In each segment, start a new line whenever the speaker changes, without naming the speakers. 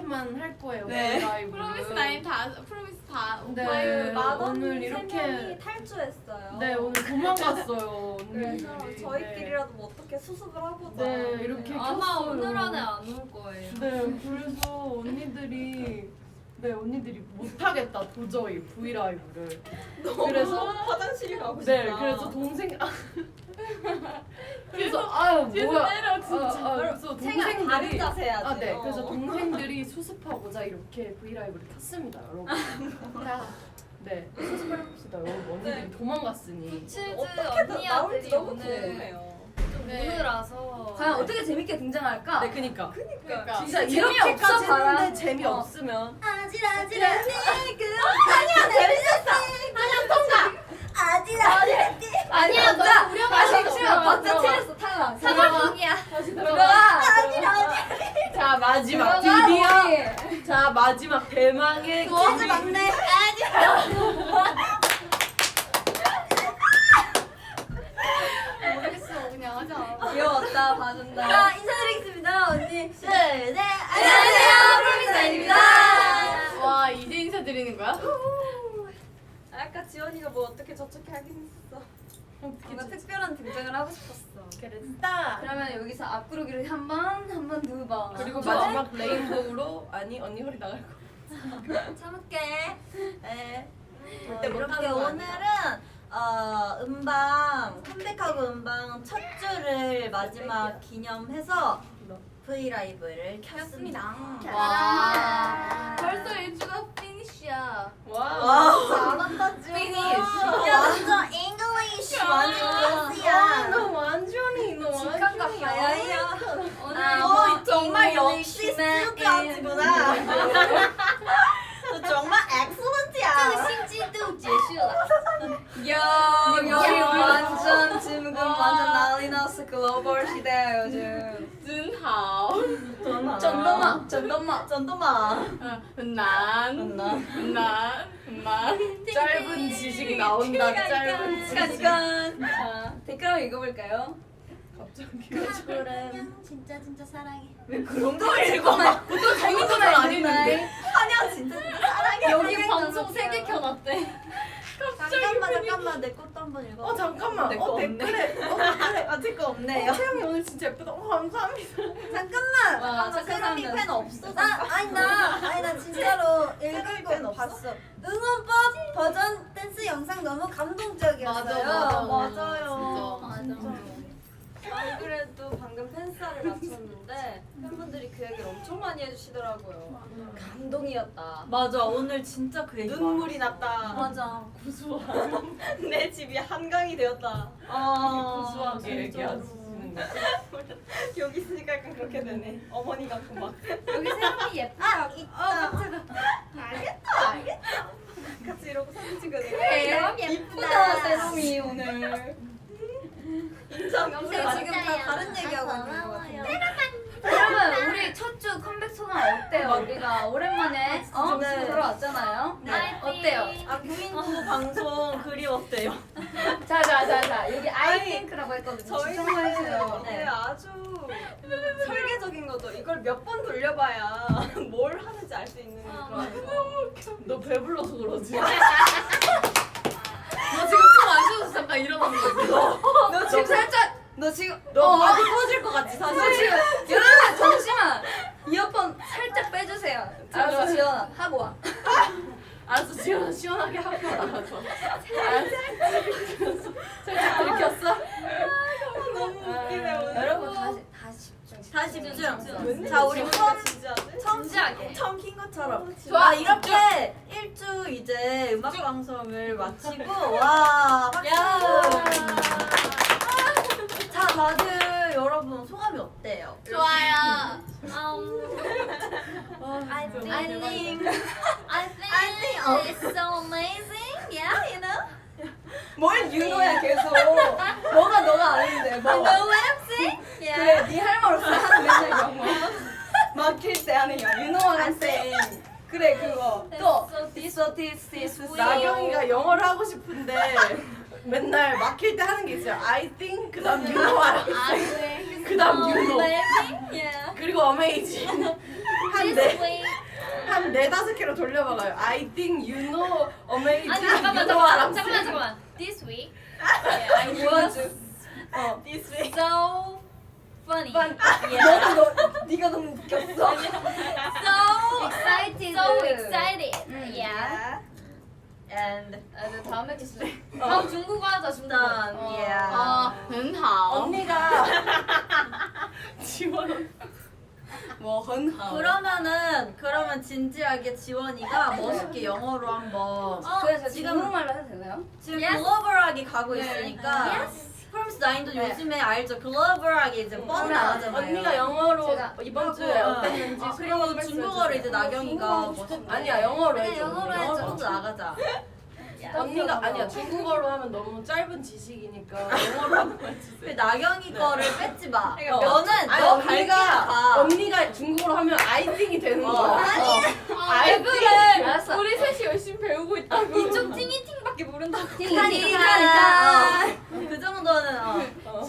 이렇게만 할 거예요.
네.
브이라이브를.
프로미스 다
네.
오프라이브
오늘 이렇게
탈주했어요.
네 오늘 도망갔어요.
그래서
언니들이.
저희끼리라도 뭐 어떻게 수습을 하보자.
네 이렇게
아마
켰어요.
오늘 안에 안 올 거예요.
네 그래서 언니들이 못하겠다 도저히 브이라이브를. 그래서
화장실이 가고 싶다.
네 그래서 동생 그래서 아유 뭐야
때려, 진짜.
그래서
생각 다른
동생들이
자세 해야지.
아, 네. 그래서 동생들이 수습하고자 이렇게 브이라이브를 켰습니다, 여러분. 네, 수습을 해봅시다, 여러분. 언니들이 도망갔으니.
치즈
어떻게 나올지
언니들이
너무
오늘
궁금해요.
좀
네.
무느라서
과연 어떻게 재밌게 등장할까?
네, 그니까.
그러니까
진짜
재미없어,
이렇게까지
봐라.
했는데 재미없으면.
아찔아찔한 아니야 재밌었어. 아니야 통과. 아찔아찔한
아니야 너
아
우려만
잠시만 박자 틀렸어 탈락.
사과punk이야.
들어가.
자, 마지막
들어가,
드디어.
우리.
자, 마지막 대망의
도와줘 막내.
모르겠어 그냥 하자.
귀여웠다 봐준다.
자 인사드리겠습니다 언니. 둘 셋.
안녕하세요 프로미스아입니다.
와 이제 인사드리는 거야?
아까 지원이가 뭐 어떻게 저렇게 하긴 했어. 뭔가 특별한 등장을 하고 싶었어.
그랬다.
그러면 여기서 앞구르기를 한 번, 두 번.
그리고
좋아?
마지막 레인보우로 아니 언니 허리 나갈 거.
참을게. 네.
절대
이렇게
못하는 거
오늘은 음방 컴백하고 음방 첫 주를 마지막 기념해서 브이라이브를 켰습니다.
와 벌써 1주가 피니시야.
와.
잘한다 지금.
Finish.
야 완전 English 완전 예스야.
너 완전히 너
직관
완전히
야야.
오늘
너 정말 역시 스튜디오구나. 너 정말 엑셀런트야.
新季度结束了。
여기 완전 지금 완전 난리 났어. 글로벌 시대야 요즘.
真好。
전도마, 전도마.
전도마.
很难。很难。
짧은 지식이 나온다. 짧은 지식.
잠깐. 자 댓글 한번 읽어볼까요?
갑자기.
그래. 진짜 사랑해.
왜 그런 거 읽어? 보통 재밌는 말 아니는데.
한영 진짜 사랑해.
여기 방송 3개 켜놨대.
잠깐만 내 것도 한번 읽어.
잠깐만.
내거
댓글에. 댓글에.
아직 거 없네요.
태영이 오늘 진짜 예쁘다. 감사합니다.
잠깐만.
와,
세롬이
착한
팬 없어. 나 진짜로 읽은 거 봤어. 응원법 버전 댄스 영상 너무 감동적이었어요. 맞아요.
맞아.
안 그래도 방금 팬싸를 마쳤는데 팬분들이 그 얘기를 엄청 많이 해주시더라고요. 감동이었다.
맞아 오늘 진짜 그 얘기
눈물이 났다.
맞아
구수한.
내 집이 한강이 되었다.
구수하게 얘기하시는 거.
여기 있으니까 약간 그렇게 되네. 어머니 같고 막.
여기 세롬이 예쁘다.
알겠다. 같이 이러고 사진 찍어야 돼.
세롬
이쁘다 세롬이 오늘.
인정.
영상
지금 다 다른 얘기하고 있는 것 같은데.
여러분 우리 첫 주 컴백 소감 어때요? 우리가 오랜만에
네.
들어왔잖아요.
네.
어때요?
아 구인구 방송 그리웠대요.
자자자자 여기 아이핑크라고 했거든요.
저희
집중 좀 해주세요.
네, 아주 설계적인 거죠. 이걸 몇 번 돌려봐야 뭘 하는지 알 수 있는 그런 거.
너 배불러서 그러지.
너 지금 숨안 쉬어서 잠깐 일어나는 거지?
너 지금 살짝 너 지금
너 바지 터질 것 같지
너
사실.
지금 여러분 잠시만 이어폰 살짝 빼주세요. 알았어 지연아 하고 와.
알았어 지원아 시원하게 하고 알아서. 살짝 들켰어?
너무 웃기네 오늘.
여러분 다시
집중.
자 우리 처음
진지하게.
처음 킨 것처럼.
좋아,
이렇게 1주 이제 음악 방송을 마치고 와 박수. 자 다들 여러분 소감이 어때요?
좋아요.
I think
I think it's so amazing. Yeah, you know.
뭘 윤호야 계속 뭐가 너가 아닌데 뭐.
You know what I'm saying? Yeah.
그래 네 할 말 없으면 하는 맨날 영어 막힐 때 하는 영어 윤호랑 쌤 그래 그거 또 this
나경이가 영어를 하고 싶은데 맨날 막힐 때 하는 게 있어요. I think 그다음 you know I think 그다음 you know
Amazing. Yeah.
그리고 amazing
This week.
한 4-5개로 돌려봐가요. I think you know amazing.
아니 잠깐만. This week. I was
This way.
so funny.
네가 너무 웃겼어.
So
Excited.
So excited. Yeah.
And
다음에 주실래? 다음 중국어 하자 중국어.
done. Yeah.
很好
언니가 지원.
뭐很好
그러면 진지하게 지원이가 멋있게 영어로 한번
그래서
지금-
중국말로 해도 되나요?
지금
Yes.
글로벌하게 가고 있으니까
Yes.
프롬스 나인도 요즘에 알죠? 글로벌하게 이제 뻔나가잖아요.
언니가 영어로
제가
이번 주에 어땠는지
그리고 중국어를 이제 나경이가 멋있게
아니야 영어로
그래,
해줘.
영어로 해줘.
영어로 나가자.
언니가 아니야 중국어로 하면 너무 짧은 지식이니까 영어로 한번
근데
해주세요.
나경이 거를 뺏지 마.
그러니까
너는
아니,
너 갈기가
언니가 중국어로 하면 아이팅이 되는 거야.
왜 그래?
알았어.
우리 셋이 열심히 배우고 있다고. 이쪽 팅이팅밖에 모른다고.
그러니까 그 정도는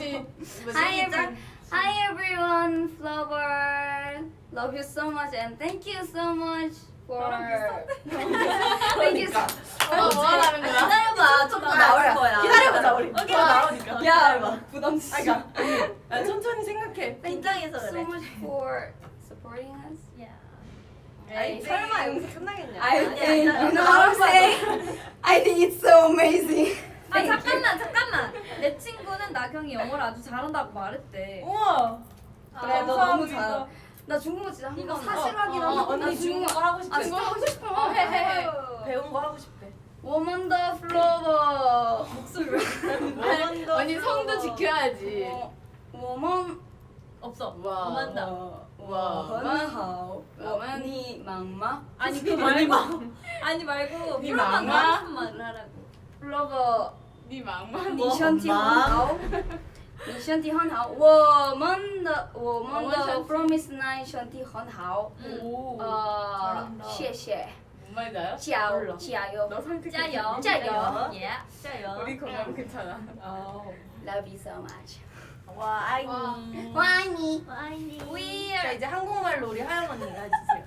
Hi everyone, Flower. Love you so much and thank you so much for. Thank you.
뭐 하라는 거야?
기다려봐. 조금 나올 거야.
기다려보자 우리. 오케이 나오니까.
야, 부담스.
그러니까 천천히 생각해.
긴장해서
So
그래.
much for supporting us.
에이, 설마 여기서 끝나겠냐?
I think you know what I'm saying. I think it's so amazing.
아 잠깐만. 내 친구는 나경이 영어를 아주 잘한다고 말했대.
우와.
그래, 너 너무 잘. 나 중국어 진짜 한
이거
번.
사실 확인하고
언니 중국어 하고 싶대.
중국어 하고 싶어.
해. 배운 거 하고 싶대.
Woman the Flower.
언니 성도 지켜야지.
Woman.
없어.
와.
오만다.
woman 好 woman 你忙吗
아니 그 말고 아니 말고
니
프로만
망아?
하고 싶은 말을 하라고.
Flower
你忙吗？
你身体很好你身体很好我们的 Promise Nine 身体很好
오.
谢谢
뭔 말인가요?
加油
너 성격
加油
加油
예.
짜요.
우리 건강 괜찮아.
Love you so much
와 아이.
我爱你
We
자
are.
이제 한국말로 우리 하영 언니가 해주세요.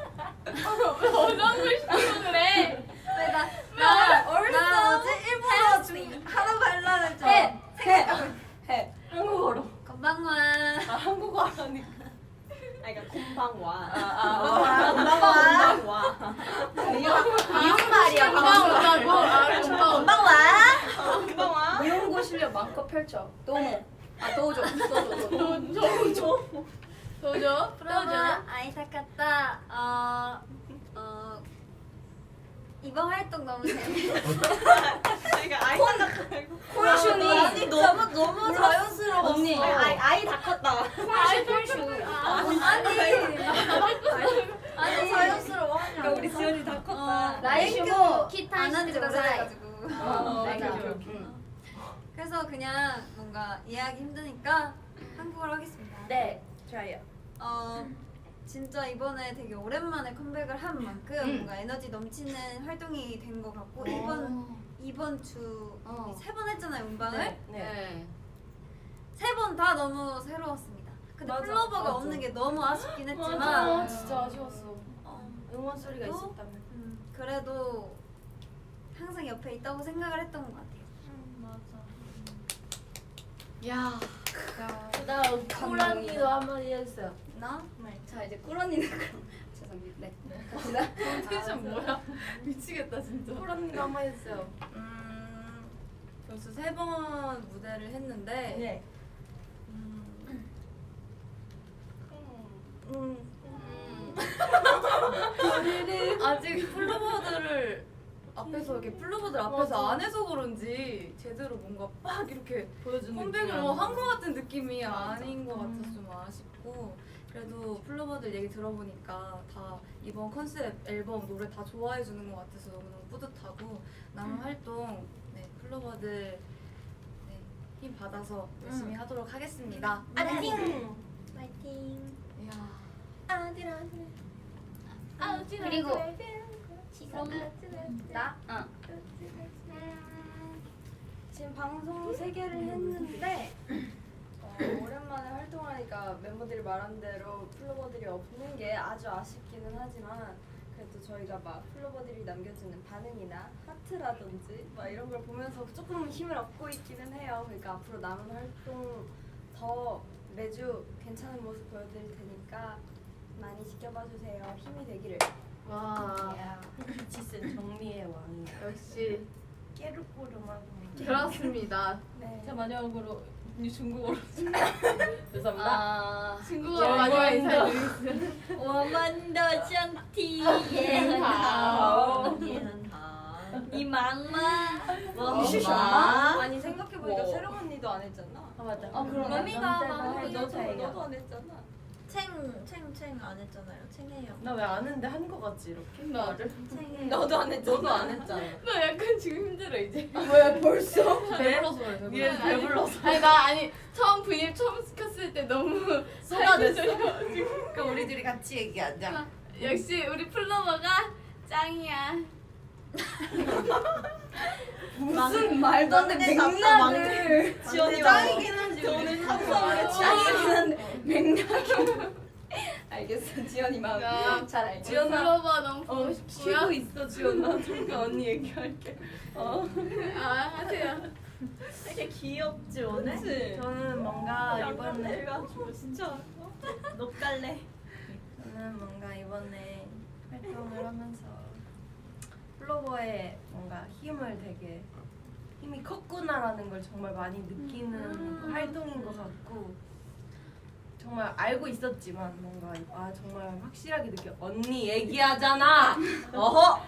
그래.
나
나
어제 일본어 좀 하라고 하려는 줄.
해
한국어로.
건방와.
아 한국어 하라니까.
그러니까 곰방와.
건방와. 미용말이야. 건방와.
곰방와.
미용고 실력 마음껏 펼쳐 도모 도저
도저?
프로가 아이사카타. 이번 활동 너무 재밌어.
그러니까 아이 생각 말고.
콜슈니
아니 너무 자연스러워.
언니
아이 다 컸다.
아니
자연스러워
그러니까
하냐.
우리 지연이 다 컸다.
라이슈모
키타
안 한지 오래돼가지고
맞아.
그래서 그냥 뭔가 이해하기 힘드니까 한국어로 하겠습니다.
네
좋아요.
진짜 이번에 되게 오랜만에 컴백을 한 만큼 뭔가 에너지 넘치는 활동이 된 것 같고 이번 주 세 번 했잖아요 음방을.
네.
세 번 다 너무 새로웠습니다. 근데
맞아,
플로버가
맞아.
없는 게 너무 아쉽긴 했지만
아 진짜 아쉬웠어.
어,
응원 소리가
또?
있었다면.
그래도 항상 옆에 있다고 생각을 했던 것 같아요.
야. 그다음 코란이도 한마디 해주세요.
나?
자 이제 꿀언니는 그럼 죄송합니다 네 갑시다
텐션 뭐야? 미치겠다 진짜. 코란이도 한마디 해주세요.
벌써 3번 무대를 했는데
네.
아직 플로버들 앞에서 안 해서 그런지 제대로 뭔가 빡 이렇게
보여주는
컴백을
느낌이
한 것 같은 느낌이 아닌 것 같아서 좀 아쉽고 그래도 플로버들 얘기 들어보니까 다 이번 컨셉 앨범 노래 다 좋아해 주는 것 같아서 너무너무 뿌듯하고 남은 활동 플로버들 힘 받아서 열심히 하도록 하겠습니다.
파이팅! 파이팅!
그리고 나?
지금 방송 3개를 했는데 오랜만에 활동하니까 멤버들이 말한 대로 플로버들이 없는 게 아주 아쉽기는 하지만 그래도 저희가 막 플로버들이 남겨주는 반응이나 하트라든지 막 이런 걸 보면서 조금 힘을 얻고 있기는 해요. 그러니까 앞으로 남은 활동 더 매주 괜찮은 모습 보여드릴 테니까 많이 지켜봐 주세요. 힘이 되기를.
와, 지슨 정리의 왕이야.
역시
깨르꼬르만.
그렇습니다.
네.
자 마지막으로 중국어로. 죄송합니다.
아,
중국어로 마지막 인사드리겠습니다.
我们的身体也很好，也很好。你忙吗？我很忙。
아니 생각해보니까
뭐.
세령 언니도 안 했잖아.
아 맞다.
그럼
맘이가
너도 안 했잖아.
챙 안 했잖아요. 챙해요.
나 왜 아는데 한 거 같지 이렇게? 나를?
챙해요.
너도 안 했잖아.
너도 안 했잖아.
나 약간 지금 힘들어 이제.
왜 벌써? 배불러서 그래.
미안,
배불러서.
아니 처음 V앱 처음 시켰을 때 너무
쏟아냈어.
그럼 우리 둘이 같이 얘기하자.
역시 우리 플로버가 짱이야. 무슨 말도 안 돼.
맥락을
지원이
짱이긴
한지
오늘
감사하게
짱이긴 한데 맥락이
알겠어. 지연이 마음
야,
잘 알겠어.
지연아.
플로버 너무 보고 싶고요.
쉬고 있어 지원아. 잠깐 언니 얘기할게.
아 하세요.
되게 귀엽지 오늘?
저는 뭔가 이번에
진짜.
녹갈래.
저는 뭔가 이번에 활동을 하면서 플로버의 뭔가 힘이 컸구나라는 걸 정말 많이 느끼는 활동인 것 같고 정말 알고 있었지만 뭔가 정말 확실하게 느껴. 언니 얘기하잖아. 어허.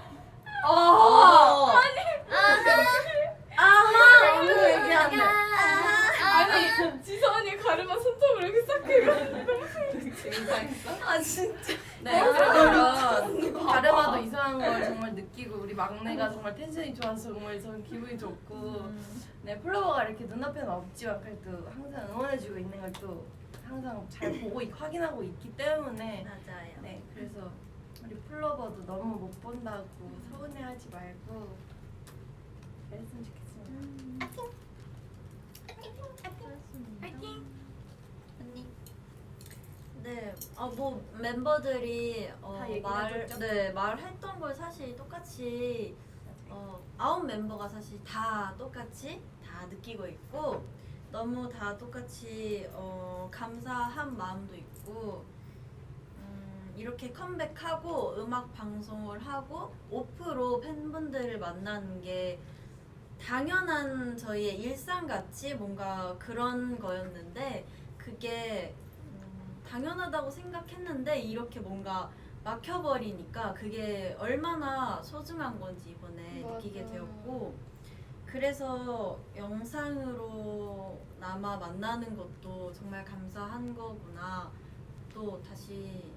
아하. 언니 얘기한대.
아니 지선이 가르마 손톱을 이렇게 싹 긁어.
재밌었어?
아 진짜.
네, 그러면 가르마도 이상한 걸 정말 느끼고 우리 막내가 정말 텐션이 좋아서 정말 저는 기분이 좋고 네, 플로버가 이렇게 눈앞에는 없지만 그래도 항상 응원해주고 있는 걸 또 항상 잘 보고 확인하고 있기 때문에
맞아요.
네, 그래서 우리 플로버도 너무 못 본다고 서운해하지 말고 그랬으면 좋겠습니다.
파이팅. 언니. 네, 뭐 멤버들이
다 얘기해줬죠?
말했던 걸 사실 똑같이 9 멤버가 사실 다 똑같이 다 느끼고 있고 너무 다 똑같이 감사한 마음도 있고 이렇게 컴백하고 음악 방송을 하고 오프로 팬분들을 만나는 게 당연한 저희의 일상같이 뭔가 그런 거였는데 그게 당연하다고 생각했는데 이렇게 뭔가 막혀버리니까 그게 얼마나 소중한 건지 이번에 느끼게 되었고 그래서 영상으로 남아 만나는 것도 정말 감사한 거구나 또 다시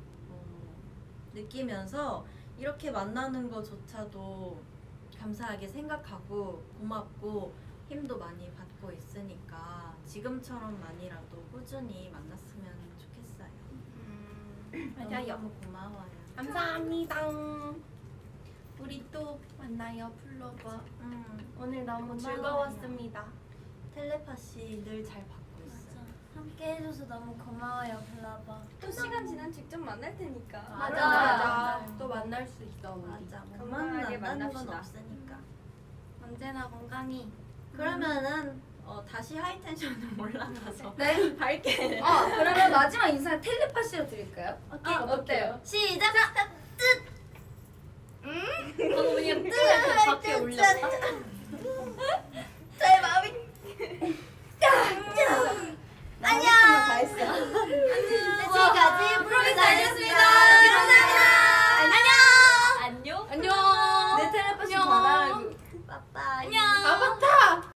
느끼면서 이렇게 만나는 것조차도 감사하게 생각하고 고맙고 힘도 많이 받고 있으니까 지금처럼만이라도 꾸준히 만났으면 좋겠어요.
맞아요.
너무 고마워요.
감사합니다. 우리 또 만나요 플로버. 오늘 너무
고마워요.
즐거웠습니다.
텔레파시 늘 잘 받고 있어요.
함께 해줘서 너무 고마워요, 플라버.
또 시간 지난 직접 만날 테니까.
맞아. 또 만날 수 있어 우리.
맞아. 못
건강하게
만난다는 건
만납시다.
없으니까.
언제나 건강히.
그러면은 다시 하이텐션을 올라가서
네.
밝게.
그러면 마지막 인사 텔레파시로 드릴까요?
오케이.
어때요?
시작.
방금 그냥 뜨 밖에 올렸다.
저의 마음이. 안녕. 다 했어. 지금까지 프로미스였습니다. 감사합니다. 안녕.
안녕.
내 텔레파시
안녕.
받아라고. 빠빠이.
안녕.